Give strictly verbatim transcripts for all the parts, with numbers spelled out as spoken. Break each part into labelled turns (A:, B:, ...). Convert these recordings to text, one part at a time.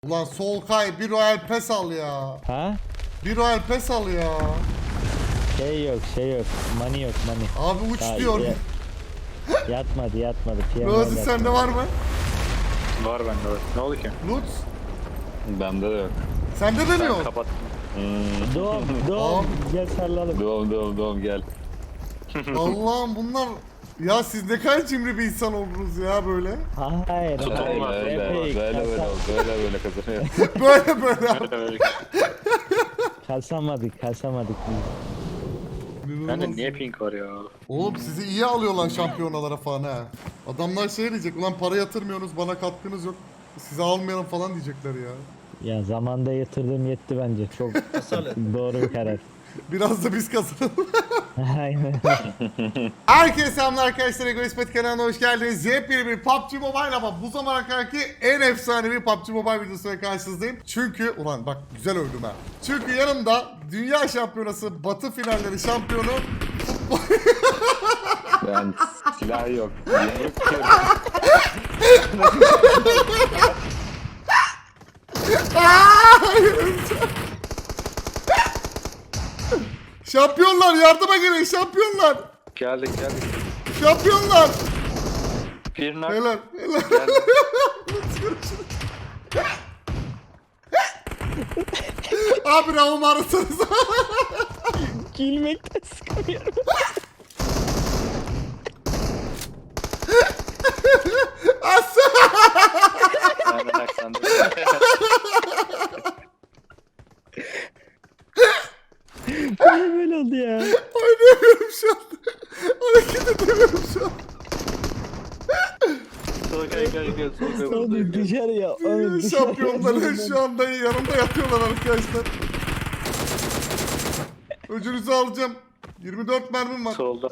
A: Ulan Solkay bir Royal Pass al ya.
B: Ha?
A: Bir Royal Pass al ya.
B: Şey yok şey yok. Money yok money.
A: Abi uç
B: Daha
A: diyor.
B: ya- Yatmadı yatmadı. P M
A: Rozi
B: yatmadı.
A: sende var mı?
C: Var bende var. Ne oldu ki?
A: Lutz.
C: Bende de yok.
A: Sende de mi
C: Ben
A: yok?
C: kapattım.
B: Doğum doğum. Gel sarılalım.
C: Doğum doğum doğum gel.
A: Allah'ım bunlar... Ya siz ne kadar cimri bir insan oldunuz ya böyle.
B: Hayır.
C: Öyle
B: hayır.
C: öyle
B: Epey
C: böyle böyle
B: kasa-
C: oldu, böyle böyle kazanıyor.
A: Böyle böyle.
B: Kasamadık kasamadık biz.
C: Bende niye pink var ya?
A: Oğlum sizi iyi alıyorlar şampiyonalara falan ha. Adamlar şey diyecek, ulan para yatırmıyorsunuz, bana katkınız yok. Sizi almayalım falan diyecekler ya.
B: Ya zamanda yatırdığım yetti bence. Çok doğru bir karar.
A: Biraz da biz kazanalım.
B: Aynen.
A: Herkese selamlar arkadaşlar, Egoist Pet kanalına hoş geldiniz. Yepyeni bir P U B G Mobile, ama bu zamana kadarki en efsanevi P U B G Mobile videosuyla karşınızdayım. Çünkü, ulan bak güzel övdüm ha. Çünkü yanımda Dünya Şampiyonası Batı finalleri şampiyonu
C: Ben silah yok. Yumruk diyorum.
A: Şampiyonlar yardıma gelin, şampiyonlar.
C: Geldik geldik.
A: Şampiyonlar.
C: Bir nak.
A: Helal helal.
C: Geldik.
A: Abi Raum arasanız.
B: Gülmekten sıkılıyorum.
C: Sen de nak sen de.
B: Niye böyle oldu ya?
A: Oynayamıyorum şu an. Hareket edemiyorum şu an.
C: Solkay gel gel Solkay
B: Onu
C: buradayım.
B: dışarıya. Onu dışarıya.
A: Şampiyonların şu anda yanımda yatıyorlar arkadaşlar. Öcünüzü alacağım. yirmi dört mermim var.
C: Solda.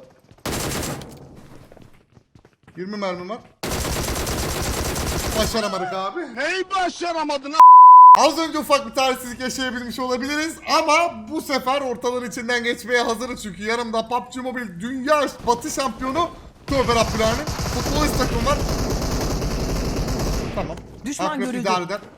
A: yirmi mermim var. Başaramadık abi.
D: Neyi başaramadın?
A: Az önce ufak bir talihsizlik yaşayabilmiş olabiliriz ama bu sefer ortaların içinden geçmeye hazırız, çünkü yanımda P U B G Mobile Dünya Batı Şampiyonu Tövbe Rabbülani futbolist takım var. Tamam.
E: Düşman
A: Akrep
E: görüldü.
A: idare eder.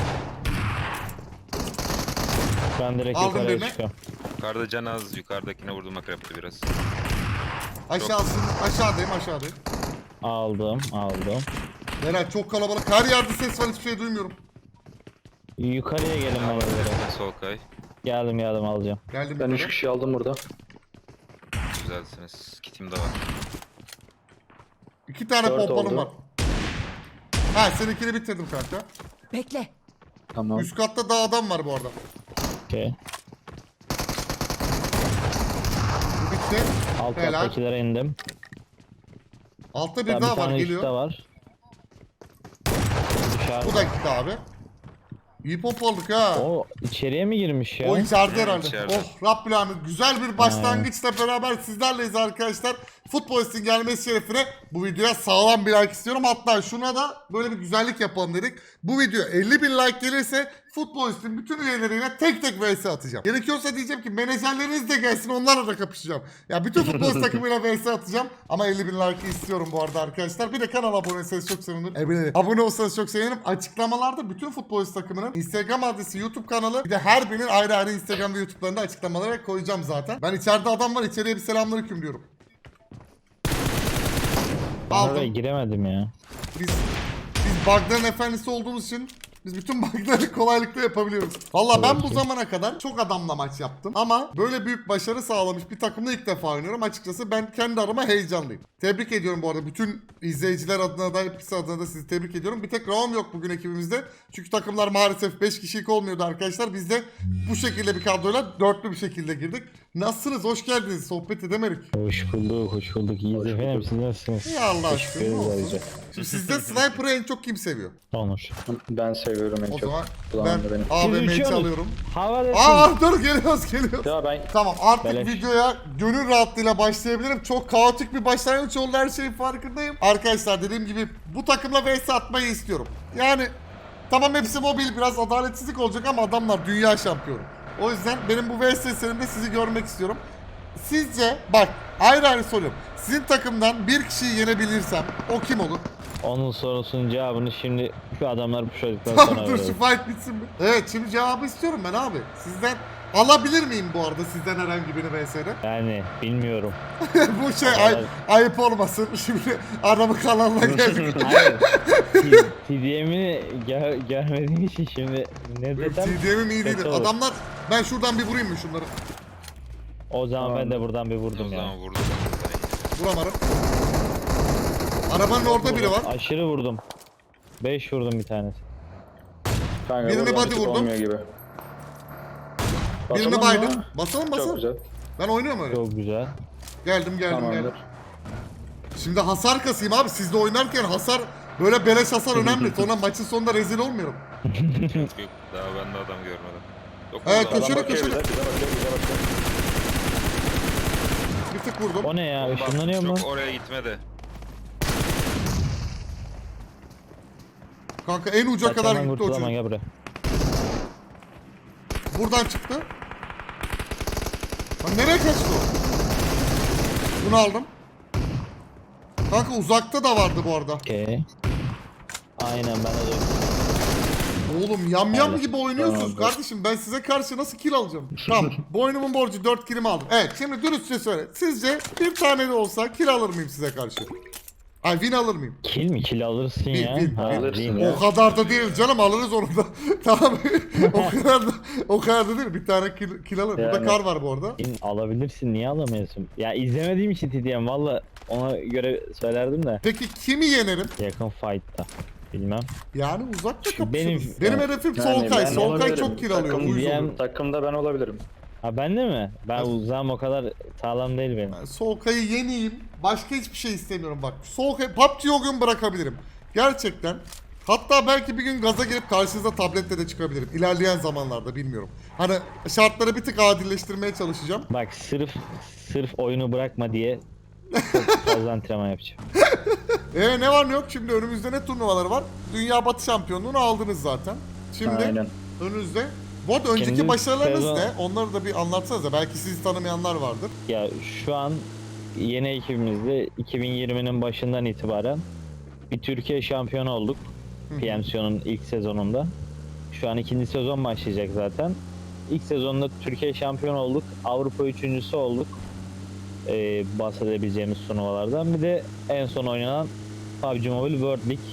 B: Ben direkt
A: Aldım
B: yukarıya
A: birini.
B: çıkıyorum.
F: Yukarıda can az, yukarıdakine vurdum akrepte biraz.
A: Aşağısın, aşağıdayım aşağıdayım.
B: Aldım aldım.
A: Meral çok kalabalık, her yerde ses var, hiçbir şey duymuyorum.
B: Yukarıya gelin bana göre.
F: Nerede Solkay?
B: Geldim geldim alacağım.
A: Geldim
C: Ben üç
A: yukarı.
C: kişi aldım burada.
F: Güzelsiniz. Kitim de var.
A: İki tane
C: Dört
A: pompalım
C: oldu.
A: var. Ha, seninkini bitirdim kanka.
E: Bekle.
C: Tamam.
A: Üst katta daha adam var bu arada.
B: Okey.
A: Bu bitti.
B: Alt
A: Helal.
B: kattakilere indim.
A: Altta bir
B: Daha
A: daha
B: bir
A: var,
B: tane üstte
A: geliyor.
B: var. Dışarı.
A: Bu da gitti abi. İyi pompaladık ha.
B: O içeriye mi girmiş ya?
A: O içeride herhalde.
F: içeride.
A: Oh Rabbül Alemin, güzel bir başlangıçla beraber sizlerleyiz arkadaşlar. Futbolistin gelmesi şerefine bu videoya sağlam bir like istiyorum. Hatta şuna da böyle bir güzellik yapalım dedik. Bu video elli bin like gelirse futbolistin bütün üyeleriyle tek tek vs atacağım. Gerekiyorsa diyeceğim ki menajerleriniz de gelsin, onlarla da kapışacağım. Ya bütün futbolist takımıyla vs atacağım. Ama elli bin like istiyorum bu arada arkadaşlar. Bir de kanala abone olursanız çok sevinirim. Evet, abone olsanız çok sevinirim. Açıklamalarda bütün futbolist takımının Instagram adresi, YouTube kanalı, bir de her birinin ayrı ayrı Instagram ve YouTube'larında açıklamalara koyacağım zaten. Ben içeride adam var, içeriye bir selamünaleyküm diyorum.
B: Ben oraya
A: Aldım.
B: giremedim ya.
A: Biz biz bug'ların efendisi olduğumuz için biz bütün bug'ları kolaylıkla yapabiliyoruz. Valla ben bu zamana kadar çok adamla maç yaptım ama böyle büyük başarı sağlamış bir takımla ilk defa oynuyorum. Açıkçası ben kendi adıma heyecanlıyım. Tebrik ediyorum bu arada. Bütün izleyiciler adına da hepsi adına da sizi tebrik ediyorum. Bir tek Raum yok bugün ekibimizde. Çünkü takımlar maalesef beş kişilik olmuyordu arkadaşlar. Biz de bu şekilde bir kadroyla dörtlü bir şekilde girdik. Nasılsınız? Hoş geldiniz. Sohbet edemedik.
B: Hoş bulduk hoş bulduk. İyiyiz efendim siz nasılsınız?
A: İyi Allah aşkına.
B: Teşekkür
A: ne
B: ederiz
A: olsun.
B: ayrıca.
A: Şimdi sizde sniper'ı en çok kim seviyor?
B: Onur.
C: Ben seviyorum en
A: O
C: çok.
A: zaman
C: Kulağımda
A: ben
C: benim.
A: A V M'yi
B: uçuyorsunuz.
A: çalıyorum.
B: Havada
A: Aa dur, geliyoruz geliyoruz.
C: Ya ben
A: Tamam, artık
B: Beleş.
A: videoya gönül rahatlığıyla başlayabilirim. Çok kaotik bir başlangıç oldu, her şeyin farkındayım. Arkadaşlar dediğim gibi bu takımla vs atmayı istiyorum. Yani tamam hepsi mobil, biraz adaletsizlik olacak ama adamlar dünya şampiyonu. O yüzden benim bu vs serimde sizi görmek istiyorum. Sizce bak, ayrı ayrı soruyorum. Sizin takımdan bir kişiyi yenebilirsem o kim olur?
B: Onun sorusunun cevabını şimdi şu adamlar puşladıktan
A: Tamam
B: sonra
A: dur şu
B: verelim.
A: fight bitsin mi? Evet şimdi cevabı istiyorum ben abi. Sizden alabilir miyim bu arada sizden herhangi birini V S'de?
B: Yani bilmiyorum.
A: Bu şey ay, ayıp olmasın. Şimdi adamı kanalına geldik.
B: Hayır. T D M'i gör, görmediğim için şimdi ne desem
A: T D M'im iyi
B: kötü
A: değildir.
B: olur.
A: Adamlar ben şuradan bir vurayım mı şunları?
B: O zaman ben de buradan bir
F: O
B: vurdum ya.
F: zaman vurdum.
A: Vuramadım. Arabanın orada biri var.
B: Aşırı vurdum. beş vurdum bir tanesi.
C: Kanka,
A: Birini
C: buradan
A: body
C: bir tık
A: vurdum.
C: olmuyor gibi.
A: Birini
C: Basalım
A: baydım.
C: mı?
A: Basalım
C: Çok
A: basalım.
C: güzel.
A: Ben oynuyorum öyle.
B: Çok güzel.
A: Geldim geldim
C: Tamamdır.
A: geldim. Şimdi hasar kasayım abi. Sizde oynarken hasar böyle beleş hasar önemli. Sonra maçın sonunda rezil olmuyorum.
F: Yok yok. Daha ben de adam görmedim. Yok,
A: Evet,
F: burada
A: köşeli
F: adam.
C: Adam bakıyor
A: köşeli.
C: bize, bize bakıyor, bize bakıyor.
A: Bir tık vurdum.
B: O ne ya?
F: Bomba.
B: Işınlanıyor mu?
F: Çok oraya gitmedi.
A: Kanka en uca kadar
B: Kaçaman
A: gitti o
B: kurtulamam
A: çocuk.
B: gel buraya.
A: Buradan çıktı. Lan nereye kaçtı o? Bunu aldım. Kanka uzakta da vardı bu arada.
B: Okey. Aynen ben de
A: Oğlum yam yam
B: Evet.
A: gibi oynuyorsunuz
C: Tamam,
A: kardeşim. Ben size karşı nasıl kill alacağım? Tamam. Boynumun borcu dört killimi aldım. Evet şimdi dürüstçe söyle. Sizce bir tane de olsa kill alır mıyım size karşı? Ay win alır mıyım?
B: kill mi? Kill alırsın
A: Bil,
B: ya.
A: bil,
B: Ha,
C: bil. Alırsın
B: değil mi?
C: ya.
A: O kadar da değil canım alırız onu da. Tamam. o kadar da o kadar da değil. Bir tane kill, kill alır. Burada
C: Yani.
A: kar var bu arada.
B: Win alabilirsin, niye alamıyorsun? Ya izlemediğim için T D M valla ona göre söylerdim de.
A: Peki kimi yenerim?
B: Yakın fight'ta. Bilmem.
A: Yani uzakta
B: Şu
A: kapışırız.
B: benim-
A: Benim,
B: yani-
A: hedefim
C: Yani
A: Solkay.
C: ben
A: Solkay
C: olabilirim.
A: çok kill alıyor.
C: Takım
A: Uyuz
B: diyen-
A: oluyor.
C: Takımda ben olabilirim.
B: Ha bende mi? Ben uzağım o kadar sağlam değil benim.
A: Ben Solkay'ı yeneyim. Başka hiçbir şey istemiyorum bak. Solkay P U B G'yi o gün bırakabilirim. Gerçekten. Hatta belki bir gün gaza gelip karşınıza tabletle de çıkabilirim. İlerleyen zamanlarda bilmiyorum. Hani şartları bir tık adilleştirmeye çalışacağım.
B: Bak sırf sırf oyunu bırakma diye çok fazla antrenman yapacağım.
A: E ne var ne yok şimdi önümüzde ne turnuvaları var? Dünya Batı Şampiyonluğunu aldınız zaten. Şimdi
C: Aynen.
A: önünüzde. Bu arada önceki
B: Kendi
A: başarılarınız
B: sezon-
A: ne? Onları da bir anlatsanıza. Belki sizi tanımayanlar vardır.
B: Ya şu an yeni ekibimizde iki bin yirminin başından itibaren bir Türkiye şampiyonu olduk. P M C O'nun ilk sezonunda. Şu an ikinci sezon başlayacak zaten. İlk sezonda Türkiye şampiyonu olduk. Avrupa üçüncüsü olduk. Ee, bahsedebileceğimiz turnuvalardan. Bir de en son oynanan P U B G Mobile World League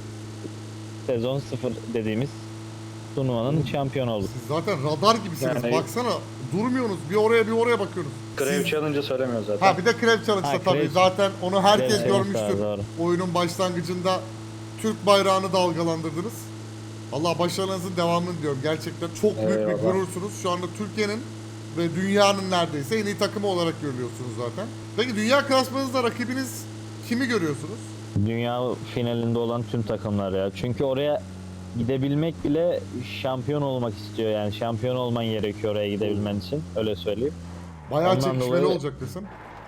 B: sezon sıfır dediğimiz turnuvanın şampiyonu olduk.
A: Siz zaten radar gibisiniz.
C: Yani-
A: Baksana durmuyorsunuz. Bir oraya bir oraya bakıyorsunuz.
C: Grave
A: Siz-
C: Challenge'ı söylemiyor zaten.
A: Ha bir de Crab Challenge'da
B: Ha,
A: tabii.
B: Crab-
A: Zaten onu herkes
B: Evet,
A: görmüştür.
B: evet, doğru.
A: Oyunun başlangıcında Türk bayrağını dalgalandırdınız. Allah başarılarınızın devamını diliyorum. Gerçekten çok büyük bir
C: Eyvallah.
A: gurursunuz. Şu anda Türkiye'nin ve dünyanın neredeyse en iyi takımı olarak görülüyorsunuz zaten. Peki dünya klasmanınızda rakibiniz kimi görüyorsunuz?
B: Dünya finalinde olan tüm takımlar ya. Çünkü oraya gidebilmek bile şampiyon olmak istiyor yani. Şampiyon olman gerekiyor oraya gidebilmen için. Öyle söyleyeyim.
A: Bayağı
B: Ondan
A: çekişmeli
B: dolayı-
A: olacak desem.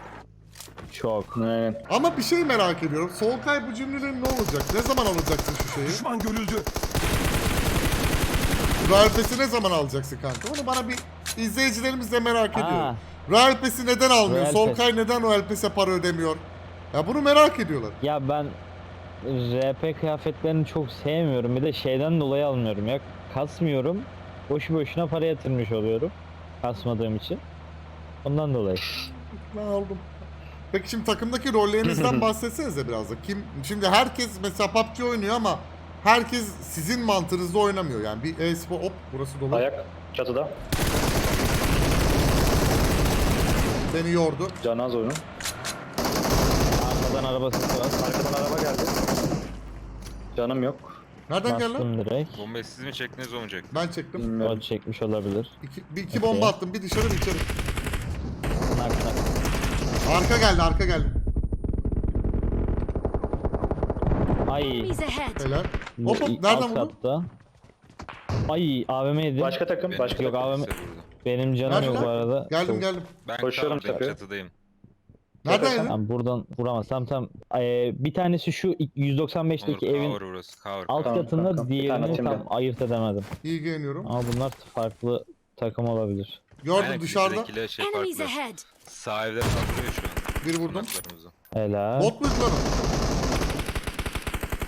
B: Çok.
C: Aynen.
A: Ama bir şey merak ediyorum. Solkay bu cümlelerin ne olacak? Ne zaman alacaksın şu şeyi?
D: Düşman görüldü.
A: Royal Pass'i ne zaman alacaksın kanka? Onu bana bir izleyicilerimiz de merak ediyor.
B: Aa.
A: Royal Pass'i neden almıyor?
B: Royal
A: Solkay neden Royal Pass'e para ödemiyor? Ya bunu merak ediyorlar.
B: Ya ben R P kıyafetlerini çok sevmiyorum. Bir de şeyden dolayı almıyorum ya. Kasmıyorum. Boşu boşuna para yatırmış oluyorum. Kasmadığım için. Ondan dolayı.
A: Ben aldım. Peki şimdi takımdaki rollerinizden bahsetsenize biraz da. Kim şimdi herkes mesela P U B G oynuyor ama herkes sizin mantığınızda oynamıyor. Yani bir e-spor hop burası dolu.
C: Ayak çatıda.
A: Beni yordu.
C: Canaz oyunu.
B: Arkadan araba sesi var.
C: Arkadan araba geldi. Canım yok.
A: Nereden geldi lan?
B: Bastım direkt.
F: Bombayı siz mi çektiniz o mu çekti?
A: Ben çektim.
B: O
C: Bilmiyorum.
B: çekmiş olabilir.
A: İki, bir iki
B: Okey.
A: bomba attım. Bir dışarı bir içeri.
B: Nak nak.
A: Arka geldi arka geldi.
B: Ay.
E: Enemies ahead.
A: Helal.
B: bu
A: Hop hop
B: i-
A: nereden
B: alt
A: vurdun?
B: katta. Ay A V M yedim.
C: Başka takım,
F: Benim
C: başka
B: Yok,
C: takım.
B: abi.
F: size vurdu.
B: Benim canım
A: Nerede
B: yok
A: lan?
B: bu arada.
A: Geldim
B: Çok-
A: geldim.
F: Ben
C: Koşuyorum
F: cover'dayım,
C: tabii.
F: çatıdayım.
A: Nereden
C: Zaten-
A: yedin?
B: Tamam buradan vuramaz. Tamam tamam. Ee, bir tanesi şu yüz doksan
F: Onur
B: beşteki evin
F: cover burası. Cover.
B: alt
C: Tamam,
B: katında,
C: tamam. Bir tane
B: diğerini
C: timde.
B: tam ayırt edemedim.
A: İyi giyiniyorum.
B: Ama bunlar farklı takım olabilir.
A: Gördüm
F: Aynen,
A: dışarıda.
F: bizdekiyle şey
E: Enemies
F: farklı.
E: ahead.
F: Sağ evde saldırıyor şu an.
A: Bir vurdum.
F: Konaklarımızı.
B: Helal.
A: Bot muydu lan o?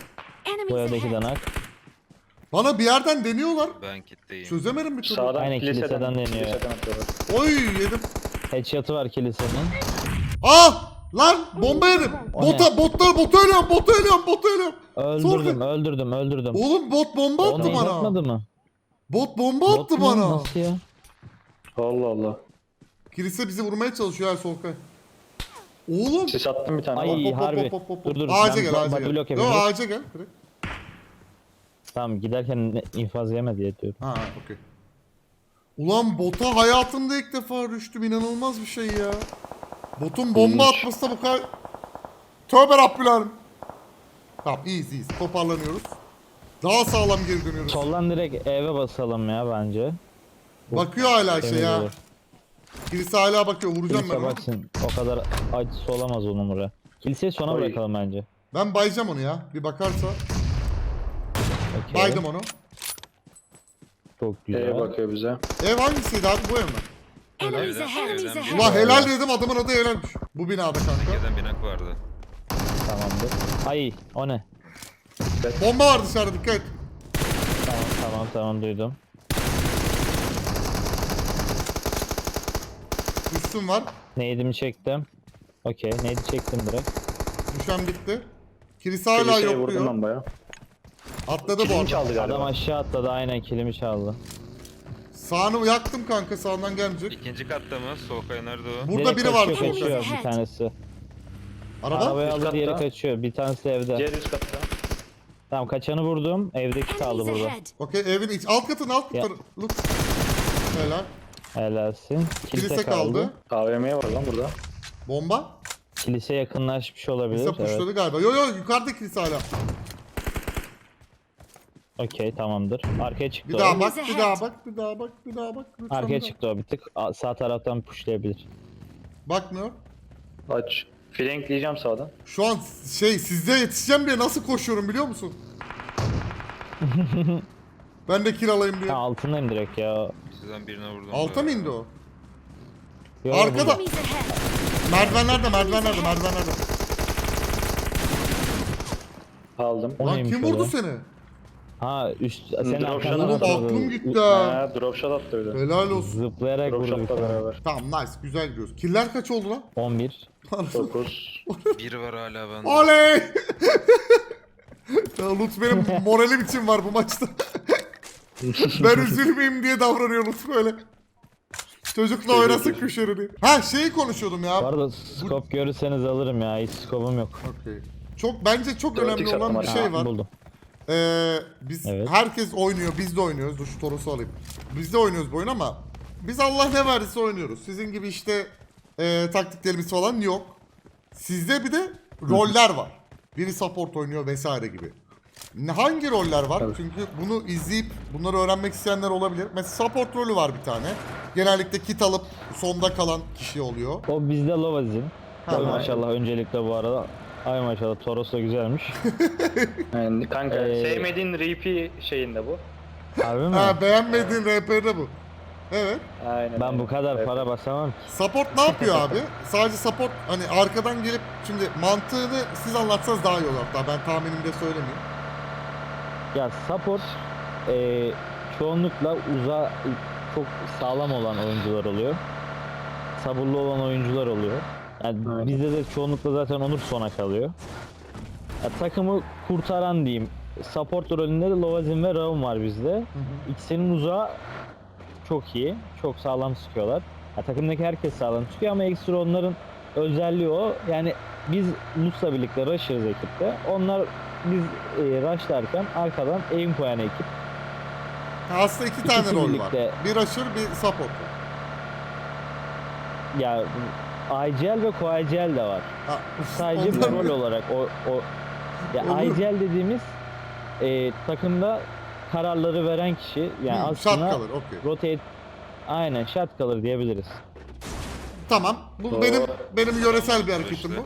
B: Bu
D: Enemies
B: evdeki
D: ahead.
B: danak.
A: Bana bir yerden deniyorlar.
F: Ben kitleyim.
A: Çözemedim bir türlü.
C: Sağdan
B: Aynen,
C: kiliseden,
B: kiliseden deniyor.
C: Kiliseden atıyorlar.
A: Oy yedim.
B: Headshot'ı var kilisenin.
A: Ah! Lan bomba yedim.
B: O
A: Bota, botlar, botu ölüyorum, botu ölüyorum, botu ölüyorum.
B: Öldürdüm,
A: Sonra-
B: öldürdüm, öldürdüm.
A: Oğlum bot bomba
B: O
A: attı
B: neyi
A: bana.
B: atmadı mı?
A: Bot bomba
B: Bot
A: attı
B: mu?
A: bana.
B: Nasıl ya?
C: Allah Allah.
A: Kilise bizi vurmaya çalışıyor her Solkay. Oğlum.
C: Sis attım bir tane.
B: Ay,
C: Hop, hop.
B: harbi.
A: hop, hop, hop.
B: Dur, dur,
A: Ağaca
B: ben
A: gel,
B: ba-
A: ağaca
B: body
A: gel.
B: block
A: Yo
B: yapayım.
A: ağaca gel. Direkt.
B: Tamam, giderken ne- infaz yeme diye diyorum.
A: Ha okey. Ulan bota hayatımda ilk defa düştüm. İnanılmaz bir şey ya. Botun bomba
C: İyiymiş.
A: atması da bu kadar... Tövbe Rabbülerim. Tamam iyiyiz iyiyiz. Toparlanıyoruz. Daha sağlam geri dönüyoruz.
B: Soldan direkt eve basalım ya bence. Bu
A: Bakıyor hala şey
B: temiz
A: ya.
B: olur.
A: Kilise hala bakıyor. Vuracağım ben
B: Kilise
A: onu.
B: baksın. O kadar acısı olamaz onun buraya. Kiliseyi sona
C: Oy.
B: bırakalım bence.
A: Ben bayacağım onu ya. Bir bakarsa.
B: Okey.
A: Baydım onu.
B: Çok güzel.
C: E'ye bakıyor bize.
A: Ev hangisiydi abi? Bu ev mi?
D: Enemies
F: Evden-
D: ahead. Enemies
F: evden
D: ahead.
F: bir-
A: Ulan helal dedim adamın adı helalmiş. Bu binada kanka.
F: Gelen binak vardı.
B: Tamamdır. Ay, o ne?
A: Bomba var dışarıda dikkat et.
B: Tamam, tamam, tamam, duydum.
A: Üstüm var.
B: Neydimi çektim. Okey, neydi çektim direkt.
A: Düşen bitti. Kilise hala
C: Kiliseye
A: yok
C: vurdum
A: diyor.
C: ben baya.
A: Atladı bu
C: Kilimi
A: arada.
C: çaldı galiba.
B: Adam aşağı atladı, aynen kilimi çaldı.
A: Sağını yaktım kanka sağından gelmeyecek.
F: İkinci katta mı? Solkay nerede o?
A: Burada
B: Direkt
A: biri var
B: kaçıyor,
A: solda.
B: kaçıyor bir tanesi.
A: Araba?
B: Arabayı
C: Üst
B: alır
C: katta.
B: yere kaçıyor. Bir tanesi evde.
C: Diğer üst katta.
B: Tamam, kaçanı vurdum. Evdeki kaldı
D: Enemies
B: burada.
D: ahead.
A: Okey evin iç. Alt katın alt
B: Ya.
A: katı. Look. Helal.
B: Helalsin. Kilise,
A: Kilise kaldı.
B: kaldı.
C: A V M var lan burada.
A: Bomba.
B: Kilise yakınlaşmış olabilir.
A: Kilise
B: Evet.
A: pushladı galiba. Yo yo yukarıda kilise hala.
B: Okey, tamamdır. Arkaya çıktı
A: Bir
B: o.
A: daha bak,
D: Enemies
A: bir daha
D: ahead.
A: bak, bir daha bak, bir daha bak. Lütfen
B: Arkaya
A: bir daha.
B: çıktı o bir tık. A- Sağ taraftan pushlayabilir.
A: Bakmıyor.
C: Aç. Flankleyeceğim sağdan.
A: Şu an şey sizde yetişeceğim diye nasıl koşuyorum biliyor musun? Ben de kill alayım diye.
B: Ha, altındayım direkt ya.
F: Sizden birine vurdum.
A: Alta mı indi o?
B: Yo,
A: Arkada.
B: burada.
D: Enemies ahead.
A: Merdivenlerde, merdivenlerde, merdivenlerde.
C: Aldım.
B: O
A: Lan
B: neymiş
A: kim
B: öyle?
A: vurdu seni?
B: Ha, üst senin
C: Drop
B: arkandan
C: shot'ı
A: Oğlum
B: atladı.
A: aklım gitti ha.
C: Ha, drop shot attı öyle.
A: Helal olsun.
B: Zıplayarak
C: Drop
B: vurdu bir
C: shot'la
B: tane.
C: beraber.
A: Tamam nice, güzel gidiyoruz. Killer kaç oldu lan?
B: on bir.
C: dokuz.
F: Biri var hala bende.
A: Oley! Ya Lut benim moralim için var bu maçta. Ben üzülmeyeyim diye davranıyor Lut böyle. Çocukla oynasın köşelerini. Ha şeyi konuşuyordum ya.
B: Bu arada scope görürseniz alırım ya. Hiç scope'um yok.
A: Okey. Çok bence çok
C: Dört
A: önemli
C: X
A: olan bir
C: attım
A: şey
B: Ha,
A: var.
B: buldum.
A: Ee, biz
B: Evet.
A: herkes oynuyor, biz de oynuyoruz. Dur şu Toros'u alayım. Biz de oynuyoruz bu oyunu ama biz Allah ne verdiyse oynuyoruz. Sizin gibi işte e, taktiklerimiz falan yok. Sizde bir de roller var. Biri support oynuyor vesaire gibi. Ne- Hangi roller var?
C: Evet.
A: Çünkü bunu izleyip bunları öğrenmek isteyenler olabilir. Mesela support rolü var bir tane. Genellikle kit alıp sonda kalan kişi oluyor.
B: O bizde Lovazin.
A: Ha,
B: Oy
A: ha.
B: maşallah öncelikle bu arada. Ay maşallah, Toros da güzelmiş.
C: Yani kanka
B: Ee,
C: sevmediğin repeat şeyinde bu.
B: Harbi mi?
A: Ha beğenmediğin R P'de bu. Evet.
C: Aynen.
B: Ben bu kadar
C: Evet.
B: para basamam ki.
A: Support ne yapıyor abi? Sadece support hani arkadan gelip şimdi mantığını siz anlatsanız daha iyi olur hatta ben tahminimde söylemeyeyim.
B: Ya support e, çoğunlukla uza çok sağlam olan oyuncular oluyor. Sabırlı olan oyuncular oluyor. Yani
C: Evet.
B: bizde de çoğunlukla zaten Onur sona kalıyor. Ya, takımı kurtaran diyeyim. Support rolünde de Lovazin ve Raum var bizde. İkisinin uzağı çok iyi. Çok sağlam sıkıyorlar. Ya, takımdaki herkes sağlam sıkıyor ama ekstra onların özelliği o. Yani biz Lus'la birlikte rush'ırız ekipte. Onlar biz e, rush'larken arkadan aim koyan ekip.
A: Ha, aslında iki tane
B: İkisi
A: rol
B: birlikte.
A: var. Bir rusher bir support var.
B: Ya I G L ve Co-I G L de var.
A: Ha,
B: Sadece
A: onlar-
B: rol olarak o o ya
A: Olur.
B: I G L dediğimiz e, takımda kararları veren kişi. Yani
A: Hmm,
B: aslında
A: shot kalır okey.
B: rotate aynen shot kalır diyebiliriz.
A: Tamam. Bu
C: Doğru.
A: benim benim yöresel bir hareketim
F: İşte.
A: bu.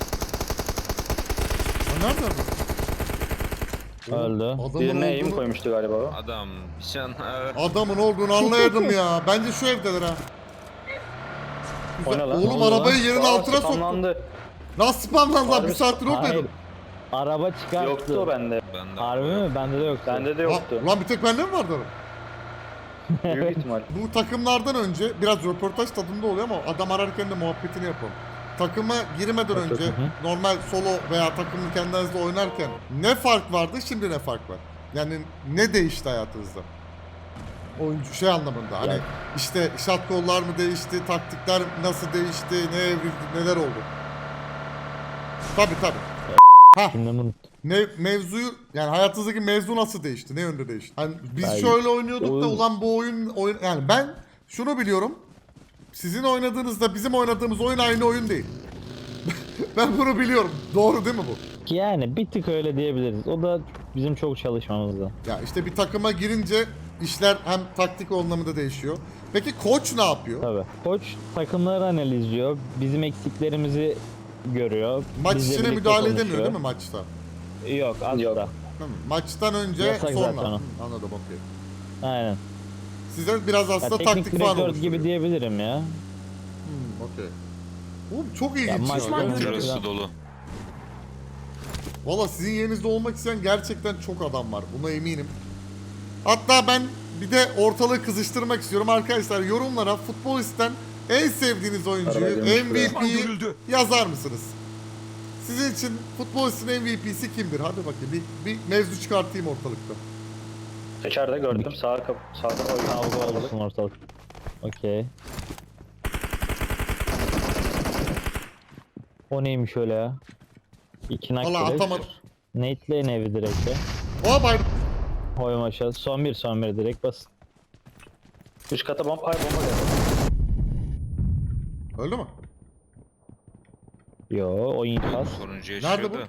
A: Ha, nerede adam?
B: Öldü.
A: Adamın
C: Birine aim
A: olduğunu,
C: koymuştu galiba o.
F: Adam. Nişan.
A: adamın olduğunu anlayırdım ya. Bence şu evdeler ha. Güzel.
C: O ne lan?
A: Oğlum
B: Ne oldu
A: arabayı
B: lan?
A: yerin
C: Aa,
A: altına soktu.
C: spamlandı.
A: Nasıl spamlandı lan? Bir
C: Harbi-
A: saattir
B: Hayır.
A: oradaydım.
B: Araba çıkarttı.
C: Yoktu o bende.
F: Ben de
B: Harbi mi? Bende de yoktu.
C: Bende de yoktu.
A: Aa, lan bir tek bende mi vardı?
C: Büyük ihtimal.
A: Bu takımlardan önce biraz röportaj tadında oluyor ama adam ararken de muhabbetini yapalım. Takıma girmeden önce normal solo veya takımlı kendinizle oynarken ne fark vardı, şimdi ne fark var? Yani ne değişti hayatınızda? Oyuncu şey anlamında hani
B: Yani-
A: işte shot call'lar mı değişti, taktikler nasıl değişti, ne evrildi, neler oldu? Tabi tabi. Ha
B: Şimdi bunu
A: ne mevzuyu yani hayatınızdaki mevzu nasıl değişti? Ne yönde değişti? Hani biz
B: Yani
A: şöyle oynuyorduk da
B: oyun-
A: ulan bu oyun oyun yani ben şunu biliyorum. Sizin oynadığınızda bizim oynadığımız oyun aynı oyun değil. Ben bunu biliyorum. Doğru değil mi bu?
B: yani bir tık öyle diyebiliriz. O da bizim çok çalışmamızda.
A: Ya işte bir takıma girince işler hem taktik anlamında değişiyor. Peki koç ne yapıyor?
B: Tabii. Koç takımları analizliyor. Bizim eksiklerimizi görüyor.
A: Maç
B: bizle
A: içine
B: birlikte
A: müdahale
B: konuşuyor.
A: edemiyor değil mi maçta?
B: Yok asla.
C: Yok.
A: Hı, maçtan önce
B: Yasak
A: sonra.
B: zaten o.
A: Hı, anladım okey.
B: Aynen.
A: Size biraz
B: Ya
A: aslında
B: teknik
A: taktik falan
B: direktör
A: oluşturuyor.
B: gibi diyebilirim ya.
A: Hmm, okey. Oğlum çok ilginç
B: Ya
A: ya.
B: maç
A: gerçekten.
F: Şurası dolu.
A: Valla sizin yerinizde olmak isteyen gerçekten çok adam var. Buna eminim. Hatta ben bir de ortalığı kızıştırmak istiyorum. Arkadaşlar yorumlara futbolisten en sevdiğiniz oyuncuyu,
C: Araba gelmiş
A: M V P'yi
D: Görüldü.
A: yazar mısınız? Sizin için futbolistin M V P'si kimdir? Hadi bakayım bir, bir mevzu çıkartayım ortalıkta.
C: İçeride gördüm. Sağ kap sağdan oyun.
B: Kavga olsun ortalık. Okey. O neymiş öyle ya? İki nak
A: Valla
B: direkt.
A: atamadım.
B: Nate'leyin evi direkt ya.
A: Oha bay...
B: Koyma aşağı. Son bir son bir direkt bas.
C: Üst kata bomba, ay bomba geldi.
A: Öldü mü?
B: Yo o infaz.
F: Sonuncu
A: Nerede
F: yaşıyor
A: bu?
F: da.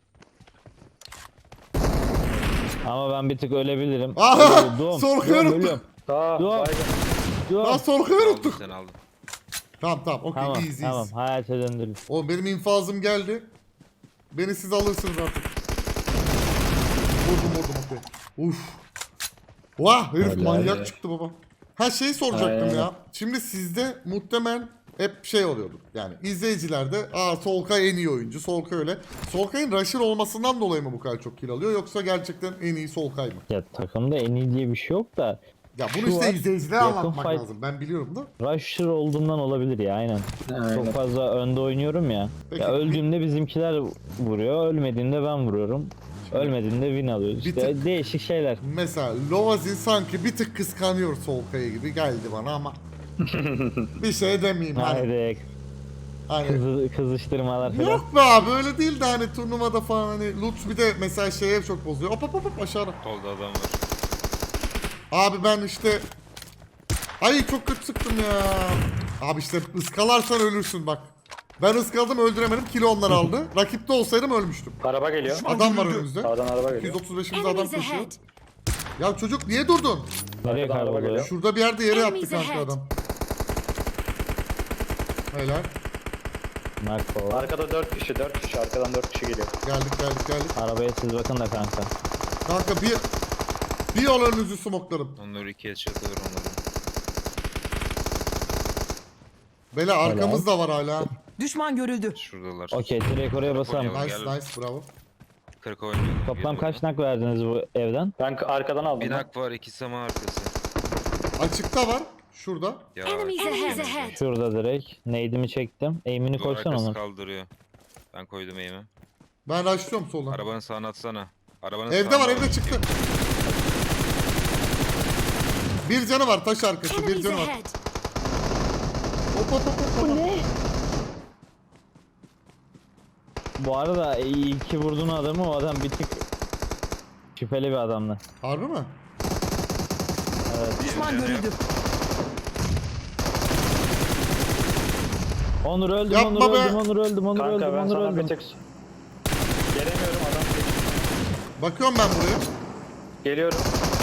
B: Ama ben bir tık ölebilirim.
A: Aha!
B: Ölüyorum, doğum,
A: Sorkuyu
B: doğum,
A: unuttum.
B: ölüyorum.
C: Aa,
B: Dur.
C: baygın.
B: Doğum.
A: Lan sorkuyu
F: Aldın
A: unuttuk.
F: sen aldın.
A: Tamam tamam okey
B: Tamam
A: iyiyiz
B: tamam
A: iyiyiz.
B: hayata döndürün.
A: O benim infazım geldi. Beni siz alırsınız artık. Vurdum vurdum okey. Uf. Vah herif
B: Helal
A: manyak
C: be.
A: çıktı baba. Ha şey soracaktım
C: Aynen.
A: ya. Şimdi sizde muhtemelen hep şey oluyordu. Yani izleyicilerde aa Solkay en iyi oyuncu. Solkay öyle. Solkay'ın rusher olmasından dolayı mı bu kadar çok kill alıyor yoksa gerçekten en iyi Solkay mı?
B: Ya takımda en iyi diye bir şey yok da
A: Ya bunu
B: Şu
A: işte
B: var,
A: izleyicilere
B: yakın
A: anlatmak
B: fight-
A: lazım. Ben biliyorum da.
B: rusher olduğundan olabilir ya aynen.
C: Aynen.
B: Çok fazla önde oynuyorum ya.
A: Peki,
B: ya
A: bir-
B: öldüğümde bizimkiler vuruyor, ölmediğimde ben vuruyorum. Ölmediğinde win alıyoruz.
A: Bir
B: İşte
A: tık-
B: değişik şeyler.
A: Mesela Lovazin sanki bir tık kıskanıyor Solkay'ı gibi geldi bana ama bir şey demeyeyim hani.
B: Haydi
A: hani.
B: kızı, kızıştırmalar falan.
A: Yok be abi öyle değil de hani turnuvada falan hani Lutz bir de mesela şeye çok bozuyor. Hop hop hop hop aşağıda.
F: Solda adam var.
A: Abi ben işte ay çok kötü sıktım ya. Abi işte ıskalarsan ölürsün bak. Ben ıskaladım öldüremedim kilo onlar aldı. Rakipte olsaydım ölmüştüm.
C: Araba geliyor.
A: Adam var önümüzde.
C: Sağdan araba
A: iki
C: geliyor.
A: yüz otuz beşimizde adam
D: Enemies
A: koşuyor.
D: ahead.
A: Ya çocuk niye durdun?
B: Nereye
C: Arkadan araba
B: kayboluyor?
C: geliyor.
A: Şurada bir yerde yere yattı
D: Enemies
A: kanka
D: ahead.
A: adam. Helal.
B: Narko.
C: Arkada dört kişi, dört kişi. Arkadan dört kişi geliyor.
A: Geldik geldik geldik.
B: Arabaya siz bakın da kanka.
A: Kanka bir bir yol önünüzü smoklarım.
F: Onları ikiye çatılır onları.
A: Bele arkamız da var hala.
E: Düşman görüldü.
F: Şuradalar.
B: Okey direkt oraya basalım.
F: Oynayalım.
A: Nice
F: Gel.
A: nice bravo.
F: kırk oynuyor.
B: Toplam kaç nak verdiniz bu evden?
C: Ben k- arkadan aldım.
F: Bir
C: lan.
F: nak var, iki sama arkası.
A: Açıkta var. Şurada.
F: Ya,
D: Enemies
F: enemies
D: ahead.
B: Şurada direkt. Nade'imi çektim. Aim'ini
F: Duvar
B: koysan
F: arkası
B: onu.
F: kaldırıyor. Ben koydum eğimi.
A: Ben açlıyorum soldan.
F: Arabanın sağına atsana. Arabanın
A: Evde
F: sağına
A: var evde
F: bak.
A: çıktı. Bir canı var taş arkası bir
D: Enemies
A: canı var.
D: ahead.
A: Hop hop hop hop. hop.
B: Bu arada iyi ki vurdun adamı, o adam bir tık şüpheli bir adamdı.
A: Harbi mi?
E: Düşman görüldü.
B: Onur öldüm,
A: Yapma
B: Onur
A: be.
B: öldüm, Onur öldüm, Onur
C: Kanka
B: öldüm,
C: ben
B: Onur
C: sana bir
B: öldüm.
C: tek... Gelemiyorum adam.
A: Bakıyorum ben buraya.
C: Geliyorum.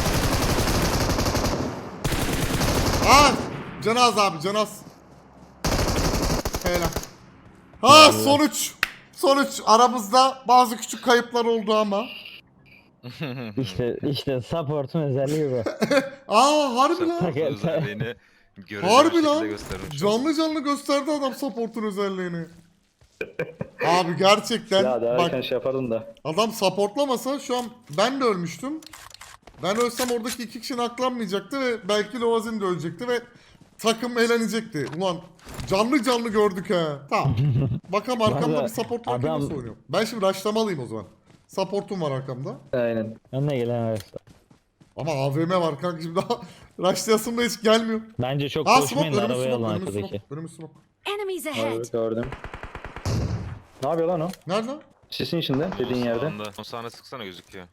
A: Aa! Canaz abi canaz. Helal. Ha sonuç. Sonuç aramızda bazı küçük kayıplar oldu ama.
B: İşte işte support'un özelliği bu.
A: Aa harbi lan.
F: Support özelliğini görece bir
A: Harbi
F: şekilde
A: lan.
F: göstermiş.
A: Canlı canlı gösterdi adam support'un özelliğini. Abi gerçekten
C: Ya daha
A: bak
C: erken şey yapardın da.
A: adam supportlamasa şu an ben de ölmüştüm. Ben ölsem oradaki iki kişinin aklanmayacaktı ve belki Lovazin de ölecekti ve takım eğlenecekti. Ulan canlı canlı gördük ha. Tamam. Bakalım arkamda
B: Valla
A: bir support varken
B: adam-
A: nasıl oynuyor. Ben şimdi rushlamalıyım o zaman. Supportum var arkamda.
C: Aynen.
B: Önüne gelen arası.
A: Ama A V M var kanka şimdi daha rushlayasım da hiç gelmiyor.
B: Bence çok
A: Aa
B: koşmayın
A: smoke
B: da
A: önümüz
B: arabaya
A: smoke
B: alın
A: önümüz
B: arkadaki.
A: smoke önümüz smoke.
D: Enemies
C: Abi
D: ahead.
C: gördüm. Ne yapıyor lan o?
A: Nerede?
C: Sisin içinde dediğin yerde.
F: Sağında. O sahne sıksana gözüküyor.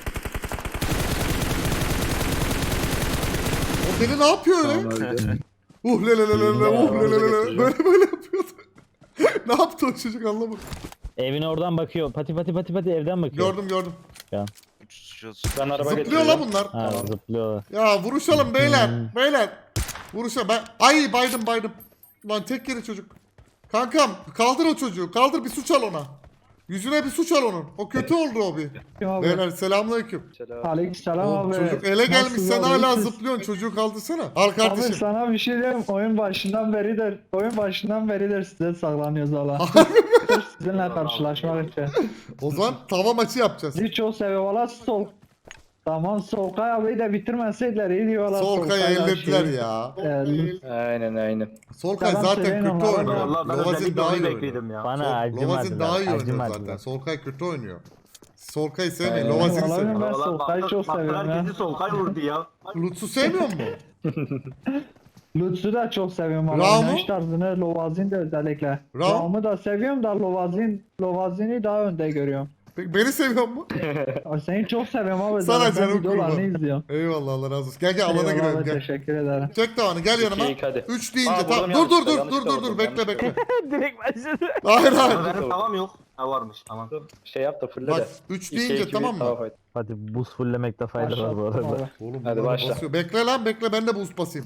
A: O beni ne yapıyor öyle?
C: Tamam öldü.
A: Uh le le le le le uh le le le le.
C: Getireceğim.
A: Böyle böyle yapıyordu. Ne yaptı o çocuk anlamadım.
B: Evine oradan bakıyor. Pati pati pati pati evden bakıyor.
A: Gördüm gördüm.
C: Ben araba
A: Zıplıyor
C: getiriyorum.
A: la bunlar.
B: Ha zıplıyorlar.
A: Ya vuruşalım beyler.
B: Hmm.
A: Beyler. Vuruşa ben. Ay baydım baydım. Lan tek yeri çocuk. Kankam kaldır o çocuğu. Kaldır bir suç al ona. Yüzüne bir suç al onun. O kötü oldu o bir.
E: Abi.
A: Beyler selamünaleyküm.
C: Selam.
E: Aleykümselam
A: Oğlum,
E: abi.
A: çocuk ele gelmiş
E: Nasılsın
A: sen
E: abi?
A: hala
E: İyisin.
A: zıplıyorsun. Çocuğu kaldırsana. Al
E: Abi
A: kardeşim.
E: sana bir şey diyeyim. Oyun başından beridir, oyun başından beridir size saklanıyoruz valla. Sırf sizinle karşılaşmak için.
A: O zaman tava maçı yapacağız.
E: Sizi çok seviyorum valla sol. Tamam Solkay abiyi de bitirmeseydiler iyi diyor valla.
A: Solkay'ı
E: Solkay
A: ellediler
E: şey.
A: ya.
E: Evet.
C: Aynen aynen.
A: Solkay
E: Yalan
A: zaten
E: söyleyin
A: kötü
E: onlara
A: oynuyor.
E: ya.
G: Allah ben
A: Lovazin
G: özellikle
A: daha
G: onu
A: iyi oynuyor.
G: bekliyordum ya.
B: Bana
A: Sol- Lovazin
B: acımadılar.
A: daha iyi oynuyor
B: Acımadılar.
A: zaten. Solkay kötü oynuyor. Solkay'ı sevmeyin.
C: Aynen.
A: Lovazini
E: Vallahi
A: sevin.
E: ben
G: Vallahi
E: Solkay'ı
G: bak-
E: çok
G: bak
E: seviyorum ya.
G: Herkesi Solkay vurdu ya.
A: Lutz'u sevmiyor mu?
E: Lutz'u da çok seviyorum valla.
A: Raum'u?
E: Oynayış tarzını Lovazin de özellikle.
A: Raum?
E: Raum'u da seviyorum da Lovazin, Lovazin'i daha önde görüyorum.
A: Peki beni seviyor mu?
E: Abi seni çok seviyorum abi.
A: Sana
E: zaten
A: canım
E: videolarını
A: kurban.
E: izliyorum.
A: Eyvallah Allah razı olsun. Gel gel alana
E: Eyvallah
A: girelim
E: abi,
A: gel.
E: teşekkür ederim.
A: Çek tavanı gel yanıma.
C: İki, iki, hadi.
A: Üç deyince
C: Aa,
A: tamam.
C: vurdum
A: Dur dur
C: yanlışlıkla,
A: dur dur
C: yanlışlıkla
A: dur dur
C: vurdum,
A: bekle bekle.
B: Direkt başladı.
A: Hayır
G: Ama
A: hayır.
G: benim tavam yok. Ha varmış tamam.
C: Şey yap da fulle
A: Bak
C: de.
A: üç
C: İki,
A: deyince
C: iki,
A: tamam
C: bir,
A: mı?
C: tamam, hadi.
B: Hadi buz fullemekte fayda var bu
E: Başlattım
B: arada.
E: abi.
A: Oğlum
C: Hadi
A: bunlar
C: başla.
A: basıyor. Bekle lan bekle ben de boost basayım.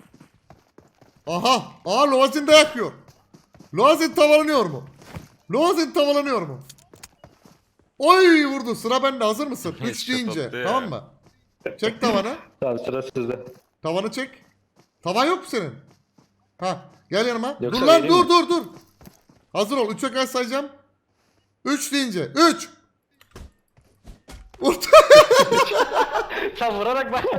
A: Aha. Aa Lovazin de yakıyor. Lovazin tavalanıyor mu? Lovazin tavalanıyor mu? Oy vurdu. Sıra bende. Hazır mısın? üç
F: İşte
A: deyince.
F: tatlı ya.
A: Tamam mı? Çek tavanı.
C: Tamam sıra sizde.
A: Tavanı çek. Tavan yok mu senin? Ha, gel yanıma.
C: Yoksa
A: dur lan
C: vereyim
A: dur
C: mi?
A: dur dur. Hazır ol. üçe kadar sayacağım. üç deyince. üç. Vurdu.
C: Sen vurarak bak.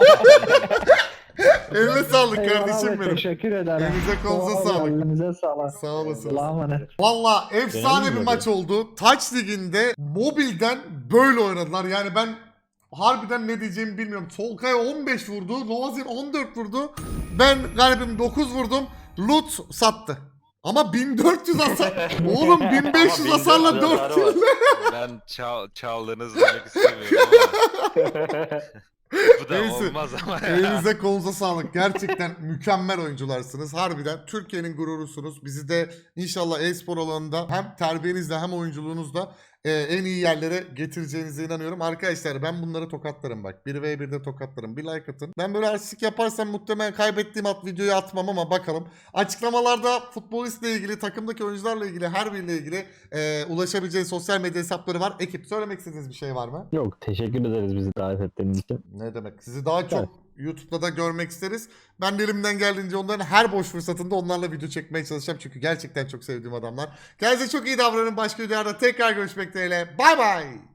A: Eline sağlık
E: Eyvallah
A: kardeşim
E: abi,
A: benim.
E: teşekkür ederim.
A: Elinize kolunuza
E: Vallahi
A: sağlık.
E: Elinize sağlık.
A: Sağ olasınız.
E: Allah'a emanet.
A: Valla efsane
B: Beğendin
A: bir
B: mi
A: maç oldu. Touch Ligi'nde mobilden böyle oynadılar. Yani ben harbiden ne diyeceğimi bilmiyorum. Solkay on beş vurdu. Lovazin on dört vurdu. Ben galibim dokuz vurdum. Loot sattı. Ama bin dört yüz hasar. Oğlum bin beş yüz
F: Ama
A: hasarla
F: bin dört yüz
A: dört
F: hasarı
A: kill.
F: Ben çal, çaldığınız demek istemiyorum ama. Bu da
A: Neyse.
F: olmaz ama ya.
A: Elinize kolunuza sağlık. Gerçekten mükemmel oyuncularsınız. Harbiden Türkiye'nin gururusunuz. Bizi de inşallah e-spor alanında hem terbiyenizle hem oyunculuğunuzla e, en iyi yerlere getireceğinize inanıyorum. Arkadaşlar ben bunları tokatlarım bak. bir ve birde tokatlarım. Bir like atın. Ben böyle artistik yaparsam muhtemelen kaybettiğim at videoyu atmam ama bakalım. Açıklamalarda futbolistle ilgili, takımdaki oyuncularla ilgili, her biriyle ilgili e, ulaşabileceğiniz sosyal medya hesapları var. Ekip söylemek istediğiniz bir şey var mı?
B: Yok teşekkür ederiz bizi davet ettiğiniz için.
A: Ne demek? Sizi daha çok YouTube'da da görmek isteriz. Ben de elimden geldiğince onların her boş fırsatında onlarla video çekmeye çalışacağım. Çünkü gerçekten çok sevdiğim adamlar. Kendinize çok iyi davranın. Başka videolarda tekrar görüşmek dileğiyle. Bay bay.